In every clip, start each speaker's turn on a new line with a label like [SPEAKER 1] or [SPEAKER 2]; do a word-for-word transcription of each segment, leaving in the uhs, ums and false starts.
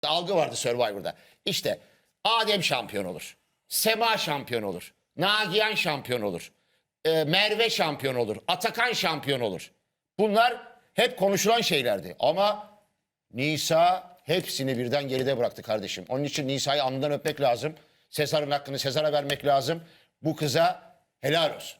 [SPEAKER 1] algı vardı Survivor'da. İşte Adem şampiyon olur. Sema şampiyon olur. Nagihan şampiyon olur. e, Merve şampiyon olur. Atakan şampiyon olur. Bunlar hep konuşulan şeylerdi. Ama Nisa hepsini birden geride bıraktı kardeşim. Onun için Nisa'yı alnından öpmek lazım. Sezar'ın hakkını Sezar'a vermek lazım. Bu kıza helal olsun.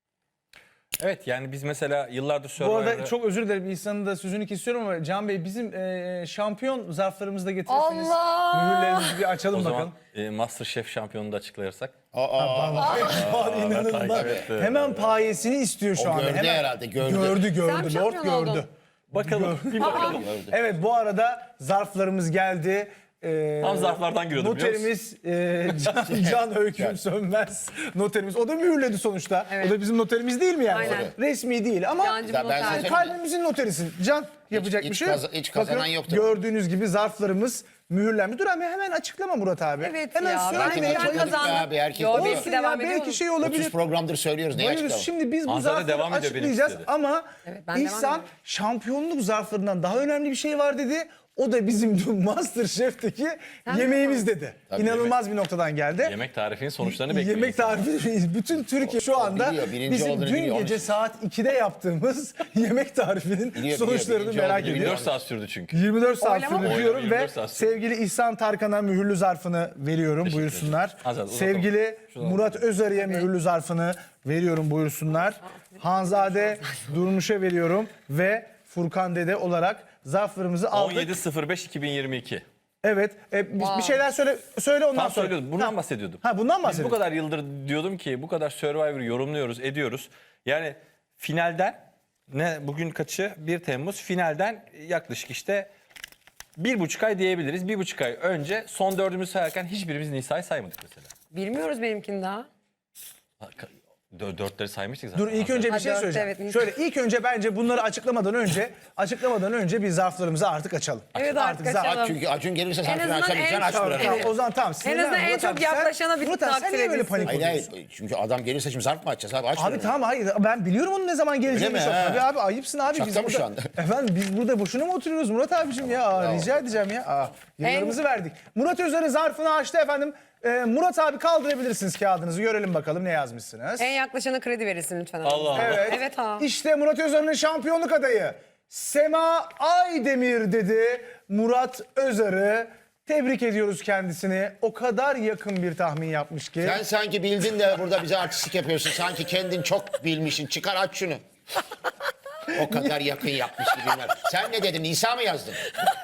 [SPEAKER 2] Evet, yani biz mesela yıllardır
[SPEAKER 3] Bu
[SPEAKER 2] Survivor'da...
[SPEAKER 3] arada çok özür dilerim, İhsan'ın da sözünü kesiyorum ama Can Bey, bizim e, şampiyon zarflarımızı da getirirseniz
[SPEAKER 4] Allah!
[SPEAKER 3] mühürlerimizi bir açalım
[SPEAKER 2] o zaman
[SPEAKER 3] bakalım.
[SPEAKER 2] e, Masterchef şampiyonunu da açıklayırsak.
[SPEAKER 1] Aa,
[SPEAKER 3] Şu an inanılmaz.
[SPEAKER 2] takip etti.
[SPEAKER 3] Hemen payesini istiyor şu
[SPEAKER 1] O
[SPEAKER 3] anda.
[SPEAKER 1] gördü
[SPEAKER 3] Hemen.
[SPEAKER 1] herhalde, gördü.
[SPEAKER 3] Gördü gördü.
[SPEAKER 4] Sen
[SPEAKER 3] Lord
[SPEAKER 4] şampiyon
[SPEAKER 3] gördü.
[SPEAKER 4] oldun.
[SPEAKER 2] Bakalım, bir bakalım.
[SPEAKER 3] Evet, bu arada zarflarımız geldi. Ee,
[SPEAKER 2] Tam zarflardan giriyordum, biliyor
[SPEAKER 3] Noterimiz e, Can, Can Öyküm Sönmez noterimiz. O da mühürledi sonuçta.
[SPEAKER 4] Evet.
[SPEAKER 3] O da bizim noterimiz değil mi yani?
[SPEAKER 4] Aynen.
[SPEAKER 3] Resmi değil ama
[SPEAKER 4] Cancım
[SPEAKER 1] Ya ben
[SPEAKER 4] noter.
[SPEAKER 1] zaten-
[SPEAKER 3] kalbimizin noterisin. Can, yapacak
[SPEAKER 1] hiç
[SPEAKER 3] bir şey yok.
[SPEAKER 1] kaza- hiç kazanan
[SPEAKER 3] Bakın,
[SPEAKER 1] yoktu.
[SPEAKER 3] gördüğünüz gibi zarflarımız mühürlenmiş. Dur hemen, hemen açıklama Murat abi.
[SPEAKER 4] Evet
[SPEAKER 3] hemen
[SPEAKER 4] ya,
[SPEAKER 3] söylemeye
[SPEAKER 4] ben
[SPEAKER 1] açıkladık
[SPEAKER 3] bayılırız.
[SPEAKER 4] kazandım.
[SPEAKER 1] abi, herkes
[SPEAKER 4] Yo,
[SPEAKER 1] biliyor.
[SPEAKER 4] belki
[SPEAKER 3] Olsun ya,
[SPEAKER 4] devam ediyor.
[SPEAKER 3] belki şey olabilir.
[SPEAKER 1] otuz programdır söylüyoruz. Ne
[SPEAKER 3] Bayılırız.
[SPEAKER 1] açıklama?
[SPEAKER 3] Şimdi biz bu
[SPEAKER 2] Hanzade
[SPEAKER 3] zarfları
[SPEAKER 2] devam ediyor, benim
[SPEAKER 3] açıklayacağız
[SPEAKER 2] istedi.
[SPEAKER 3] ama
[SPEAKER 4] Evet, ben devam
[SPEAKER 3] İhsan
[SPEAKER 4] ediyorum.
[SPEAKER 3] şampiyonluk zarflarından daha önemli bir şey var dedi. O da bizim dün Masterchef'teki
[SPEAKER 4] Sen
[SPEAKER 3] yemeğimiz dedi.
[SPEAKER 1] Tabii,
[SPEAKER 3] İnanılmaz bir noktadan geldi.
[SPEAKER 2] Yemek tarifinin sonuçlarını bekliyor.
[SPEAKER 3] Yemek
[SPEAKER 2] insan.
[SPEAKER 3] tarifi bütün Türkiye şu anda
[SPEAKER 1] biliyor, birinci
[SPEAKER 3] bizim
[SPEAKER 1] olduğunu
[SPEAKER 3] dün
[SPEAKER 1] biliyor, onun
[SPEAKER 3] gece
[SPEAKER 1] için.
[SPEAKER 3] saat ikide yaptığımız yemek tarifinin
[SPEAKER 1] biliyor,
[SPEAKER 3] sonuçlarını
[SPEAKER 1] birinci
[SPEAKER 3] merak
[SPEAKER 1] olduğunu
[SPEAKER 3] ediyor.
[SPEAKER 2] yirmi dört saat sürdü çünkü.
[SPEAKER 3] yirmi dört saat
[SPEAKER 4] Oylama mı?
[SPEAKER 3] sürdü diyorum
[SPEAKER 2] Oylama
[SPEAKER 3] ve
[SPEAKER 2] yirmi dört saat sürdü.
[SPEAKER 3] sevgili İhsan Tarkan'a mühürlü zarfını veriyorum,
[SPEAKER 2] Teşekkür
[SPEAKER 3] buyursunlar.
[SPEAKER 2] ederim. Azat, uzatalım.
[SPEAKER 3] Sevgili
[SPEAKER 2] Şuradan
[SPEAKER 3] Murat Özarı'ya mühürlü zarfını veriyorum, buyursunlar. Hanzade Durmuş'a veriyorum ve Furkan Dede olarak zarflarımızı aldık.
[SPEAKER 2] on yedi sıfır beş iki bin yirmi iki.
[SPEAKER 3] Evet, e, bir,
[SPEAKER 4] Wow.
[SPEAKER 3] bir şeyler söyle söyle ondan
[SPEAKER 2] Tam
[SPEAKER 3] sonra.
[SPEAKER 2] söylüyordum. Bundan
[SPEAKER 3] Ha.
[SPEAKER 2] bahsediyordum.
[SPEAKER 3] Ha, bundan
[SPEAKER 2] Biz bu
[SPEAKER 3] bahsediyoruz.
[SPEAKER 2] kadar yıldır diyordum ki bu kadar Survivor'ı yorumluyoruz, ediyoruz. Yani finalden ne bugün kaçı? bir Temmuz. Finalden yaklaşık işte bir buçuk ay diyebiliriz. Bir buçuk ay önce son dördümüzü sayarken hiçbirimiz Nisa'yı saymadık mesela.
[SPEAKER 4] Bilmiyoruz benimkini daha.
[SPEAKER 2] Dö- Dörtleri saymıştık zaten.
[SPEAKER 3] Dur, ilk önce bir
[SPEAKER 4] Ha,
[SPEAKER 3] şey
[SPEAKER 4] dört,
[SPEAKER 3] söyleyeceğim.
[SPEAKER 4] evet.
[SPEAKER 3] Şöyle, ilk önce bence bunları açıklamadan önce açıklamadan önce bir zarflarımızı artık açalım.
[SPEAKER 4] Evet, artık
[SPEAKER 3] zar-
[SPEAKER 4] açalım.
[SPEAKER 1] Çünkü Acun gelirse sen
[SPEAKER 4] azından
[SPEAKER 1] açamayacaksın,
[SPEAKER 4] en
[SPEAKER 1] aç
[SPEAKER 4] çok-
[SPEAKER 1] buranı.
[SPEAKER 3] Tamam,
[SPEAKER 4] Evet.
[SPEAKER 3] o zaman tamam.
[SPEAKER 4] En azından en
[SPEAKER 3] Murat
[SPEAKER 4] çok
[SPEAKER 3] abi, sen-
[SPEAKER 4] yaklaşana bir
[SPEAKER 3] Murat abi, sen
[SPEAKER 4] takdir
[SPEAKER 3] niye böyle
[SPEAKER 4] edilsin.
[SPEAKER 3] panik
[SPEAKER 1] Hayır
[SPEAKER 3] oluyorsun?
[SPEAKER 1] hayır. Çünkü adam gelirse şimdi zarf mı açacağız abi? Aç
[SPEAKER 3] Abi
[SPEAKER 1] buranı.
[SPEAKER 3] tamam, hayır, ben biliyorum onun ne zaman geleceğini.
[SPEAKER 1] Öyle mi?
[SPEAKER 3] Abi
[SPEAKER 1] Ha.
[SPEAKER 3] abi ayıpsın abi.
[SPEAKER 1] Şaka
[SPEAKER 3] biz
[SPEAKER 1] mı
[SPEAKER 3] burada,
[SPEAKER 1] şu anda?
[SPEAKER 3] Efendim biz burada boşuna mı oturuyoruz Murat abicim ya? Aa, rica edeceğim ya. Aa, yıllarımızı verdik. Murat Özarı zarfını açtı efendim. Ee, Murat abi, kaldırabilirsiniz kağıdınızı, görelim bakalım ne yazmışsınız.
[SPEAKER 4] En yaklaşana kredi verirsin lütfen.
[SPEAKER 2] Allah Allah.
[SPEAKER 3] Evet.
[SPEAKER 4] Evet ha.
[SPEAKER 3] İşte Murat Özarı'nın şampiyonluk adayı Sema Aydemir dedi Murat Özarı. Tebrik ediyoruz kendisini. O kadar yakın bir tahmin yapmış ki.
[SPEAKER 1] Sen sanki bildin de burada bize artistlik yapıyorsun. Sanki kendin çok bilmişsin. Çıkar aç şunu. O kadar yakın yapmış gibiler. Sen ne dedin? Nisa mı yazdın?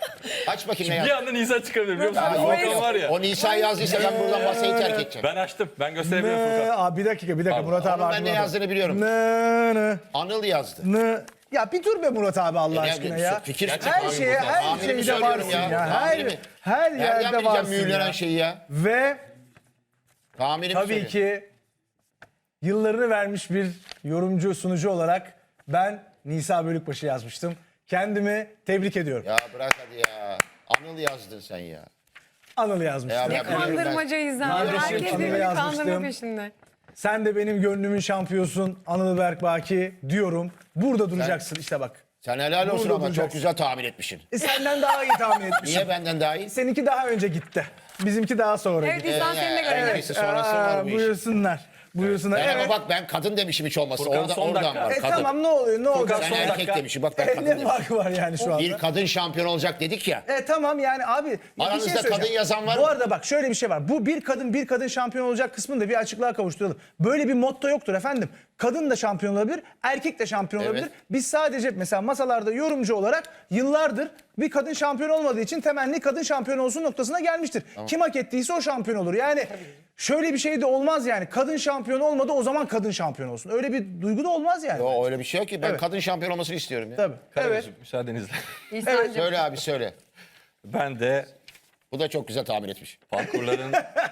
[SPEAKER 1] Aç bakayım ne
[SPEAKER 2] Bir
[SPEAKER 1] yazdın.
[SPEAKER 2] anda Nisa çıkabilir biliyor musun?
[SPEAKER 1] Aa, yok,
[SPEAKER 2] Furkan
[SPEAKER 1] yok.
[SPEAKER 2] var ya.
[SPEAKER 1] O Nisa yazdıysa ben buradan masayı terk edeceğim.
[SPEAKER 2] Ben açtım. Ben gösterebilirim
[SPEAKER 3] Nı,
[SPEAKER 2] Furkan.
[SPEAKER 3] Aa, bir dakika bir dakika Murat abi.
[SPEAKER 1] Onun ben ne
[SPEAKER 3] aklına bak.
[SPEAKER 1] yazdığını biliyorum.
[SPEAKER 3] Nı, nı,
[SPEAKER 1] Anıl yazdı.
[SPEAKER 3] nı. Ya bir dur be Murat abi, Allah
[SPEAKER 1] Ya,
[SPEAKER 3] aşkına
[SPEAKER 1] ya,
[SPEAKER 3] ya.
[SPEAKER 1] fikir
[SPEAKER 3] Her
[SPEAKER 1] çıkıyor
[SPEAKER 3] şeye,
[SPEAKER 1] buradan.
[SPEAKER 3] her
[SPEAKER 1] Tahminimi
[SPEAKER 3] şeyde
[SPEAKER 1] söylüyorum
[SPEAKER 3] varsın
[SPEAKER 1] ya.
[SPEAKER 3] ya. Her,
[SPEAKER 1] Tahminimi.
[SPEAKER 3] her
[SPEAKER 1] Nereden
[SPEAKER 3] yerde
[SPEAKER 1] bileceğim
[SPEAKER 3] varsın
[SPEAKER 1] mühürlenen
[SPEAKER 3] ya.
[SPEAKER 1] şeyi ya?
[SPEAKER 3] Ve
[SPEAKER 1] Tahminimi
[SPEAKER 3] tabii
[SPEAKER 1] söyle.
[SPEAKER 3] ki yıllarını vermiş bir yorumcu, sunucu olarak ben Nisa Bölükbaşı yazmıştım. Kendimi tebrik ediyorum.
[SPEAKER 1] Ya bırak hadi ya. Anıl yazdın sen ya.
[SPEAKER 3] Anıl yazmıştım.
[SPEAKER 1] Ya
[SPEAKER 4] Ne
[SPEAKER 1] ben-
[SPEAKER 4] kandırmacayız ha.
[SPEAKER 3] Kardeşim,
[SPEAKER 4] Herkes
[SPEAKER 3] Anıl'ı
[SPEAKER 4] birbirini
[SPEAKER 3] yazmıştım.
[SPEAKER 4] kandırma peşinde.
[SPEAKER 3] Sen de benim gönlümün şampiyosun Anıl Berkbaki diyorum. Burada duracaksın işte bak.
[SPEAKER 1] Sen helal olsun
[SPEAKER 3] Burada
[SPEAKER 1] ama çok
[SPEAKER 3] duracaksın.
[SPEAKER 1] güzel tahmin etmişsin.
[SPEAKER 3] E senden daha iyi tahmin etmişim.
[SPEAKER 1] Niye benden daha iyi?
[SPEAKER 3] Seninki daha önce gitti. Bizimki daha sonra
[SPEAKER 4] Evet,
[SPEAKER 3] gitti.
[SPEAKER 4] İhsan
[SPEAKER 1] Ee,
[SPEAKER 4] seni de
[SPEAKER 1] evet.
[SPEAKER 4] görelim.
[SPEAKER 1] Neyse, sonrası var bu işin.
[SPEAKER 3] Buyursunlar. Buyursunlar.
[SPEAKER 1] Ben
[SPEAKER 3] Evet.
[SPEAKER 1] ama bak ben kadın demişim hiç olmazsa.
[SPEAKER 2] Furkan
[SPEAKER 1] Orada,
[SPEAKER 2] son
[SPEAKER 1] oradan
[SPEAKER 2] dakika.
[SPEAKER 1] var
[SPEAKER 3] E
[SPEAKER 1] kadın.
[SPEAKER 3] tamam, ne oluyor ne olacak?
[SPEAKER 1] Ben
[SPEAKER 2] son
[SPEAKER 1] erkek
[SPEAKER 2] dakika.
[SPEAKER 1] demişim bak ben
[SPEAKER 3] E,
[SPEAKER 1] kadın
[SPEAKER 3] ne
[SPEAKER 1] demişim.
[SPEAKER 3] farkı var yani şu anda?
[SPEAKER 1] Bir kadın şampiyon olacak dedik ya.
[SPEAKER 3] E tamam yani abi. ya bir
[SPEAKER 1] Aranızda
[SPEAKER 3] şey söyleyeceğim.
[SPEAKER 1] kadın yazan var
[SPEAKER 3] Bu
[SPEAKER 1] mı?
[SPEAKER 3] arada bak şöyle bir şey var. Bu bir kadın bir kadın şampiyon olacak kısmını da bir açıklığa kavuşturalım. Böyle bir motto yoktur efendim. Kadın da şampiyon olabilir, erkek de şampiyon
[SPEAKER 1] Evet.
[SPEAKER 3] olabilir. Biz sadece mesela masalarda yorumcu olarak yıllardır bir kadın şampiyon olmadığı için temenni kadın şampiyon olsun noktasına gelmiştir. Kim hak ettiyse o şampiyon olur. Yani şöyle bir şey de olmaz yani. Kadın şampiyon olmadı, o zaman kadın şampiyon olsun. Öyle bir duygu da olmaz yani.
[SPEAKER 1] O öyle bir şey yok ki. Ben
[SPEAKER 3] Evet.
[SPEAKER 1] kadın şampiyon olmasını istiyorum ya.
[SPEAKER 3] Tabii. Evet.
[SPEAKER 2] Karagöz'üm, müsaadenizle.
[SPEAKER 4] İhsan'cığım.
[SPEAKER 1] Söyle abi söyle.
[SPEAKER 2] Ben de
[SPEAKER 1] Bu da çok güzel tahmin etmiş.
[SPEAKER 2] parkurların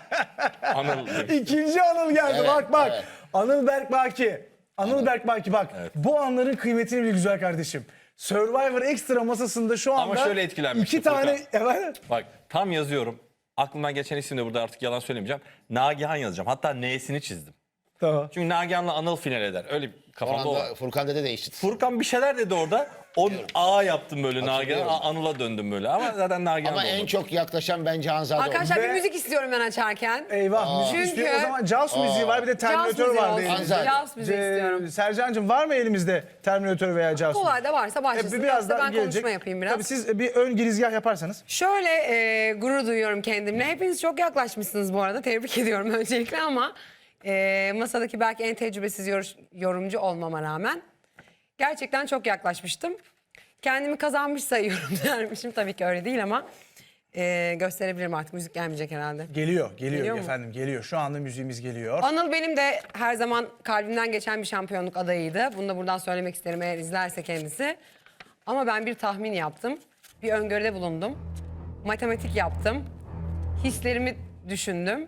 [SPEAKER 2] Anıl demiştim.
[SPEAKER 3] İkinci Anıl geldi,
[SPEAKER 1] Evet,
[SPEAKER 3] bak bak.
[SPEAKER 1] evet.
[SPEAKER 3] Anıl Berkbaki. Anıl Berkbaki bak. Bu anların kıymetini bil güzel kardeşim. Survivor Extra masasında şu anda
[SPEAKER 2] Ama şöyle etkilenmiştim
[SPEAKER 3] iki tane evet.
[SPEAKER 2] Bak tam yazıyorum. Aklımdan geçen isim de burada artık yalan söylemeyeceğim. Nagihan yazacağım. Hatta N'sini çizdim.
[SPEAKER 3] Tamam.
[SPEAKER 2] Çünkü Nagihan'la Anıl final eder. Öyle
[SPEAKER 1] O
[SPEAKER 2] kafamda o. var.
[SPEAKER 1] anda Furkan Dede değişti.
[SPEAKER 2] Furkan bir şeyler dedi orada. O A yaptım böyle Nagihan.
[SPEAKER 1] Hatırlıyorum.
[SPEAKER 2] A- Anıl'a döndüm böyle. Ama zaten Nagihan
[SPEAKER 1] Ama
[SPEAKER 2] da
[SPEAKER 1] en
[SPEAKER 2] olmadı.
[SPEAKER 1] çok yaklaşan bence Hanzade oldu.
[SPEAKER 4] Arkadaşlar
[SPEAKER 3] Ve-
[SPEAKER 4] bir müzik istiyorum ben açarken.
[SPEAKER 3] Eyvah müzik
[SPEAKER 4] Çünkü-
[SPEAKER 3] istiyor. O zaman Jaws müziği var bir de Terminator
[SPEAKER 4] müziği
[SPEAKER 3] var
[SPEAKER 4] olsun.
[SPEAKER 3] elimizde.
[SPEAKER 1] Anzade.
[SPEAKER 4] Jaws müziği
[SPEAKER 3] Ce-
[SPEAKER 4] istiyorum.
[SPEAKER 3] Sercan'cığım var mı elimizde Terminator veya Jaws?
[SPEAKER 4] Kolay da varsa
[SPEAKER 3] E,
[SPEAKER 4] başlasın.
[SPEAKER 3] biraz
[SPEAKER 4] Yoksa
[SPEAKER 3] daha
[SPEAKER 4] ben
[SPEAKER 3] gelecek.
[SPEAKER 4] konuşma yapayım biraz.
[SPEAKER 3] Tabii siz bir ön girizgah yaparsanız.
[SPEAKER 4] Şöyle e, gurur duyuyorum kendimle. Hepiniz çok yaklaşmışsınız bu arada. Tebrik ediyorum öncelikle ama e, masadaki belki en tecrübesiz yor- yorumcu olmama rağmen gerçekten çok yaklaşmıştım. Kendimi kazanmış sayıyorum dermişim. Tabii ki öyle değil ama e, gösterebilirim artık. Müzik gelmeyecek herhalde.
[SPEAKER 3] Geliyor, geliyor,
[SPEAKER 4] Geliyor mu?
[SPEAKER 3] efendim geliyor. Şu anda müziğimiz geliyor.
[SPEAKER 4] Anıl benim de her zaman kalbimden geçen bir şampiyonluk adayıydı. Bunu da buradan söylemek isterim eğer izlerse kendisi. Ama ben bir tahmin yaptım. Bir öngörüde bulundum. Matematik yaptım. Hislerimi düşündüm.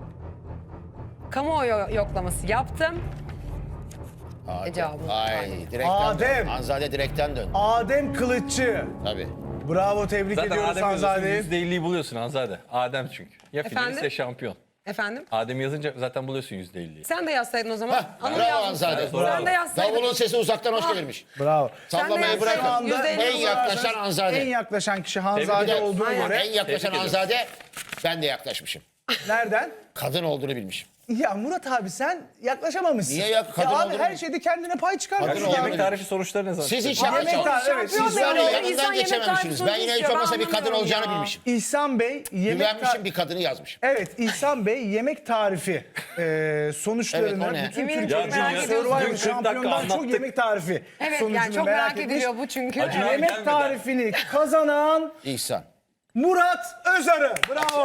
[SPEAKER 4] Kamuoyu yoklaması yaptım.
[SPEAKER 1] Adem.
[SPEAKER 4] E, cevabı.
[SPEAKER 1] Ay direkten
[SPEAKER 3] Adem.
[SPEAKER 1] dön. Hanzade direkten dön.
[SPEAKER 3] Adem Kılıççı.
[SPEAKER 1] Tabii.
[SPEAKER 3] Bravo, tebrik
[SPEAKER 2] Zaten
[SPEAKER 3] ediyoruz
[SPEAKER 2] Adem yazıyorsun
[SPEAKER 3] Hanzade'yi.
[SPEAKER 2] yüzde elliyi buluyorsun Hanzade. Adem çünkü. Ya
[SPEAKER 4] Efendim?
[SPEAKER 2] finalist ya şampiyon.
[SPEAKER 4] Efendim?
[SPEAKER 2] Adem yazınca zaten buluyorsun yüzde elliyi.
[SPEAKER 4] Sen de yazsaydın o zaman.
[SPEAKER 1] Hah,
[SPEAKER 4] Anıl
[SPEAKER 1] bravo
[SPEAKER 4] yazmışsın.
[SPEAKER 1] Hanzade.
[SPEAKER 4] Sen de yazsaydın.
[SPEAKER 1] Davulun sesi uzaktan hoş gelirmiş.
[SPEAKER 3] Bravo.
[SPEAKER 1] Sallamayı
[SPEAKER 4] yazsaydın.
[SPEAKER 1] bırakın.
[SPEAKER 4] Şu anda
[SPEAKER 1] En
[SPEAKER 4] yüzde elli
[SPEAKER 1] yaklaşan
[SPEAKER 3] En
[SPEAKER 1] Hanzade.
[SPEAKER 3] yaklaşan kişi
[SPEAKER 2] Tebrik
[SPEAKER 3] Hanzade
[SPEAKER 2] ederim.
[SPEAKER 3] olduğuna
[SPEAKER 4] Aynen.
[SPEAKER 3] göre.
[SPEAKER 1] En yaklaşan
[SPEAKER 2] Tebrik
[SPEAKER 1] Hanzade ben de yaklaşmışım.
[SPEAKER 3] Nereden?
[SPEAKER 1] Kadın olduğunu bilmişim.
[SPEAKER 3] Ya Murat abi sen yaklaşamamışsın.
[SPEAKER 1] Niye ya? Kadın
[SPEAKER 3] ya abi
[SPEAKER 1] olduğunu-
[SPEAKER 3] her şeyde kendine pay çıkar.
[SPEAKER 1] Kadın
[SPEAKER 3] Kadın
[SPEAKER 1] olduğunu-
[SPEAKER 2] Yemek tarifi sonuçları ne zaman?
[SPEAKER 1] Siz hiç
[SPEAKER 3] Yemek
[SPEAKER 1] yaklaşamadınız.
[SPEAKER 3] tarifi, evet,
[SPEAKER 4] Şampiyon
[SPEAKER 3] siz
[SPEAKER 4] da
[SPEAKER 3] var ya,
[SPEAKER 4] olur.
[SPEAKER 1] yanından
[SPEAKER 4] İnsan yemek
[SPEAKER 1] geçememişsiniz.
[SPEAKER 4] tarifi
[SPEAKER 1] Ben yine hiç
[SPEAKER 4] sonucu
[SPEAKER 1] olmazsa bir kadın
[SPEAKER 4] anlamıyorum
[SPEAKER 1] olacağını
[SPEAKER 4] ya.
[SPEAKER 1] bilmişim.
[SPEAKER 3] İhsan Bey yemek
[SPEAKER 1] Güvenmişim
[SPEAKER 3] ta-
[SPEAKER 1] bir kadını yazmış.
[SPEAKER 3] Evet İhsan Bey yemek tarifi e, sonuçlarını
[SPEAKER 1] Evet, o ne?
[SPEAKER 3] bütün
[SPEAKER 4] Eminim
[SPEAKER 3] Türkiye
[SPEAKER 4] çok merak ediyorsunuz.
[SPEAKER 3] Survivor
[SPEAKER 2] Dün kırk dakika
[SPEAKER 3] şampiyondan çok
[SPEAKER 2] anlattık.
[SPEAKER 3] yemek tarifi
[SPEAKER 4] Evet
[SPEAKER 3] sonucunu
[SPEAKER 4] yani çok
[SPEAKER 3] merak,
[SPEAKER 4] merak,
[SPEAKER 3] etmiş.
[SPEAKER 4] ediliyor bu çünkü.
[SPEAKER 2] Acun
[SPEAKER 4] Evet.
[SPEAKER 2] abi
[SPEAKER 3] Yemek
[SPEAKER 2] gelmedi.
[SPEAKER 3] tarifini kazanan
[SPEAKER 1] İhsan.
[SPEAKER 3] Murat Özarı. Bravo.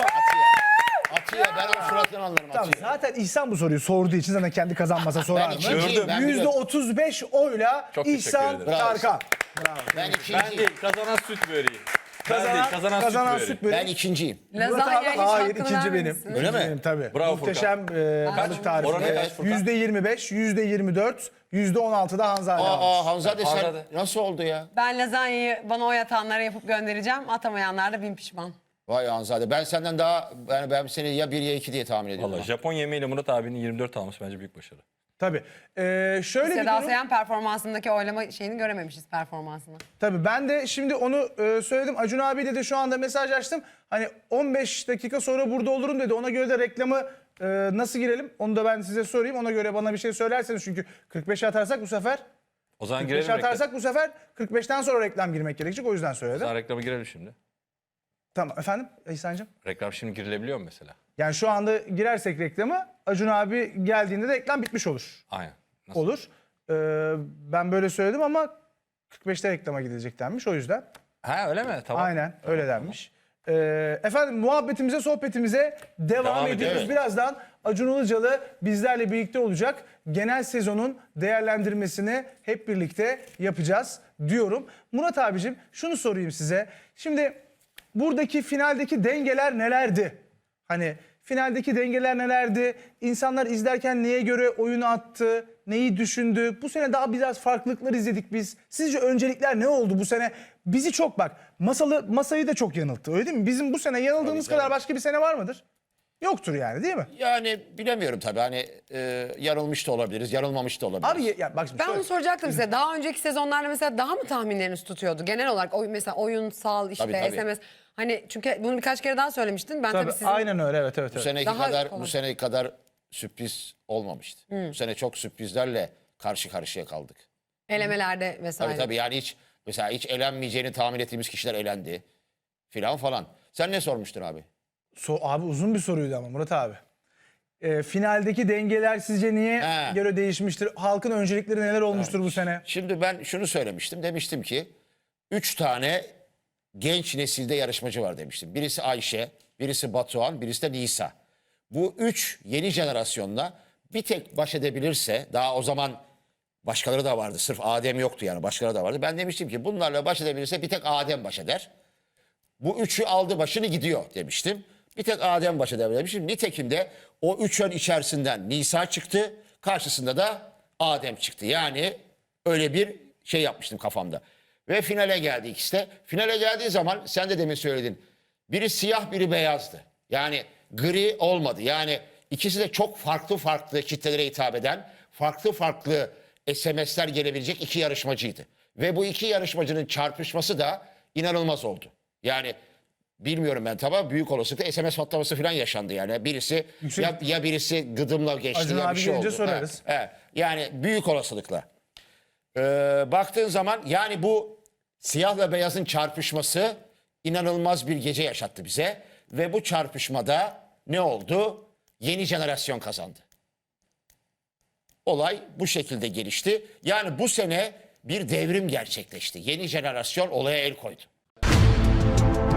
[SPEAKER 1] Atıyor. Ben onun suratını anlarım.
[SPEAKER 3] Tamam,
[SPEAKER 1] Atıyor.
[SPEAKER 3] zaten İhsan bu soruyu sorduğu için zaten kendi kazanmasa sorar mı?
[SPEAKER 1] ikinciyim,
[SPEAKER 2] Gördüm.
[SPEAKER 1] ben
[SPEAKER 3] Yüzde
[SPEAKER 1] biliyorum.
[SPEAKER 3] otuz beş oyla
[SPEAKER 2] Çok teşekkür
[SPEAKER 3] İhsan
[SPEAKER 2] ederim.
[SPEAKER 1] Bravo.
[SPEAKER 3] Tarkan.
[SPEAKER 1] Ben
[SPEAKER 2] Ben
[SPEAKER 1] ikinciyim.
[SPEAKER 2] değil, kazanan süt böreği. Ben
[SPEAKER 3] Kazanan,
[SPEAKER 2] değil, kazanan,
[SPEAKER 3] kazanan
[SPEAKER 2] süt böreği.
[SPEAKER 3] süt böreği.
[SPEAKER 1] Ben ikinciyim.
[SPEAKER 3] Murat
[SPEAKER 4] Lazanya
[SPEAKER 3] abi
[SPEAKER 4] hiç
[SPEAKER 3] hayır
[SPEAKER 4] hakkını
[SPEAKER 3] ikinci benim.
[SPEAKER 4] vermemişsin.
[SPEAKER 1] Öyle mi?
[SPEAKER 3] Benim tabii.
[SPEAKER 2] Bravo
[SPEAKER 3] Muhteşem e, balık tarifi.
[SPEAKER 2] Oranı kaç Furkan?
[SPEAKER 3] Yüzde yirmi beş, yüzde yirmi dört, yüzde on altıda Hanzade almış.
[SPEAKER 1] Aa Hanzade sen
[SPEAKER 2] Hanzade.
[SPEAKER 1] nasıl oldu ya?
[SPEAKER 4] Ben lazanyayı bana oy atanlara yapıp göndereceğim. Atamayanlar da bin pişman.
[SPEAKER 1] Vay Hanzade. Ben senden daha yani ben seni ya bir ya iki diye tahmin ediyorum.
[SPEAKER 2] Valla Japon yemeğiyle Murat abinin yirmi dört alması bence büyük başarı.
[SPEAKER 3] Tabii. Ee, şöyle bir
[SPEAKER 4] Seda
[SPEAKER 3] durum.
[SPEAKER 4] Sayan performansındaki oylama şeyini görememişiz performansını.
[SPEAKER 3] Tabii ben de şimdi onu e, söyledim. Acun abiyle de şu anda mesaj açtım. Hani on beş dakika sonra burada olurum dedi. Ona göre de reklamı e, nasıl girelim? Onu da ben size sorayım. Ona göre bana bir şey söylerseniz çünkü kırk beşe atarsak bu sefer
[SPEAKER 2] O zaman
[SPEAKER 3] kırk
[SPEAKER 2] girelim
[SPEAKER 3] beşe
[SPEAKER 2] reklama.
[SPEAKER 3] atarsak bu sefer kırk beşten sonra reklam girmek gerekecek. O yüzden
[SPEAKER 2] O
[SPEAKER 3] söyledim.
[SPEAKER 2] zaman reklama girelim şimdi.
[SPEAKER 3] Tamam efendim İhsan'cığım.
[SPEAKER 2] Reklam şimdi girilebiliyor mu mesela?
[SPEAKER 3] Yani şu anda girersek reklama Acun abi geldiğinde de reklam bitmiş olur.
[SPEAKER 2] Aynen. Nasıl?
[SPEAKER 3] Olur. Ee, ben böyle söyledim ama kırk beşte reklama gidilecek denmiş o yüzden.
[SPEAKER 2] Ha öyle mi? Tamam.
[SPEAKER 3] Aynen öyle denmiş. Ee, efendim muhabbetimize, sohbetimize devam,
[SPEAKER 2] Devam
[SPEAKER 3] ediyoruz.
[SPEAKER 2] ediyoruz.
[SPEAKER 3] Birazdan Acun Ilıcalı bizlerle birlikte olacak. Genel sezonun değerlendirmesini hep birlikte yapacağız diyorum. Murat abicim şunu sorayım size. Şimdi buradaki finaldeki dengeler nelerdi? Hani finaldeki dengeler nelerdi? İnsanlar izlerken neye göre oyunu attı? Neyi düşündü? Bu sene daha biraz farklılıklar izledik biz. Sizce öncelikler ne oldu bu sene? Bizi çok bak masalı masayı da çok yanılttı öyle değil mi? Bizim bu sene yanıldığımız
[SPEAKER 1] Tabii,
[SPEAKER 3] kadar
[SPEAKER 1] tabii.
[SPEAKER 3] başka bir sene var mıdır? Yoktur yani değil mi?
[SPEAKER 1] Yani bilemiyorum tabii hani e, yanılmış da olabiliriz, yanılmamış da olabiliriz.
[SPEAKER 3] Abi ya bak şimdi
[SPEAKER 4] Ben
[SPEAKER 3] şöyle-
[SPEAKER 4] onu soracaktım size. Daha önceki sezonlarda mesela daha mı tahminleriniz tutuyordu? Genel olarak oy, mesela oyunsal işte
[SPEAKER 1] Tabii, tabii.
[SPEAKER 4] S M S. Hani çünkü bunu birkaç kere daha söylemiştin. Ben tabii,
[SPEAKER 3] Tabii,
[SPEAKER 4] sizin
[SPEAKER 3] aynen öyle evet evet.
[SPEAKER 1] bu
[SPEAKER 3] evet.
[SPEAKER 1] seneki
[SPEAKER 4] Daha
[SPEAKER 1] kadar
[SPEAKER 4] kolay.
[SPEAKER 1] bu seneki kadar sürpriz olmamıştı. Bu sene çok sürprizlerle karşı karşıya kaldık.
[SPEAKER 4] elemelerde vesaire.
[SPEAKER 1] Tabii tabii yani hiç mesela hiç elenmeyeceğini tahmin ettiğimiz kişiler elendi filan falan. Sen ne sormuştun abi?
[SPEAKER 3] So, abi uzun bir soruydu ama Murat abi. Ee, finaldeki dengeler sizce niye
[SPEAKER 1] He.
[SPEAKER 3] göre değişmiştir? Halkın öncelikleri neler olmuştur bu sene?
[SPEAKER 1] Şimdi ben şunu söylemiştim. Demiştim ki üç tane genç nesilde yarışmacı var demiştim. Birisi Ayşe, birisi Batuhan, birisi de Nisa. Bu üç yeni jenerasyonla bir tek baş edebilirse daha o zaman başkaları da vardı. Sırf Adem yoktu yani başkaları da vardı. Ben demiştim ki bunlarla baş edebilirse bir tek Adem baş eder. Bu üçü aldı başını gidiyor demiştim. Bir tek Adem baş edebilir demiştim. Nitekim de o üç ön içerisinden Nisa çıktı. Karşısında da Adem çıktı. Yani öyle bir şey yapmıştım kafamda. Ve finale geldi ikisi de. Finale geldiği zaman sen de demin söyledin. Biri siyah biri beyazdı. Yani gri olmadı. Yani ikisi de çok farklı farklı kitlelere hitap eden, farklı farklı S M S'ler gelebilecek iki yarışmacıydı. Ve bu iki yarışmacının çarpışması da inanılmaz oldu. Yani bilmiyorum ben tabii büyük olasılıkla S M S patlaması falan yaşandı yani. Birisi
[SPEAKER 3] Yüksek-
[SPEAKER 1] ya, ya birisi gıdımla geçti
[SPEAKER 3] Acun
[SPEAKER 1] ya bir
[SPEAKER 3] abi
[SPEAKER 1] şey
[SPEAKER 3] gelince
[SPEAKER 1] oldu.
[SPEAKER 3] sorarız.
[SPEAKER 1] Evet, evet. Yani büyük olasılıkla. Ee, baktığın zaman yani bu siyahla beyazın çarpışması inanılmaz bir gece yaşattı bize. Ve bu çarpışmada ne oldu? Yeni jenerasyon kazandı. Olay bu şekilde gelişti. Yani bu sene bir devrim gerçekleşti. Yeni jenerasyon olaya el koydu.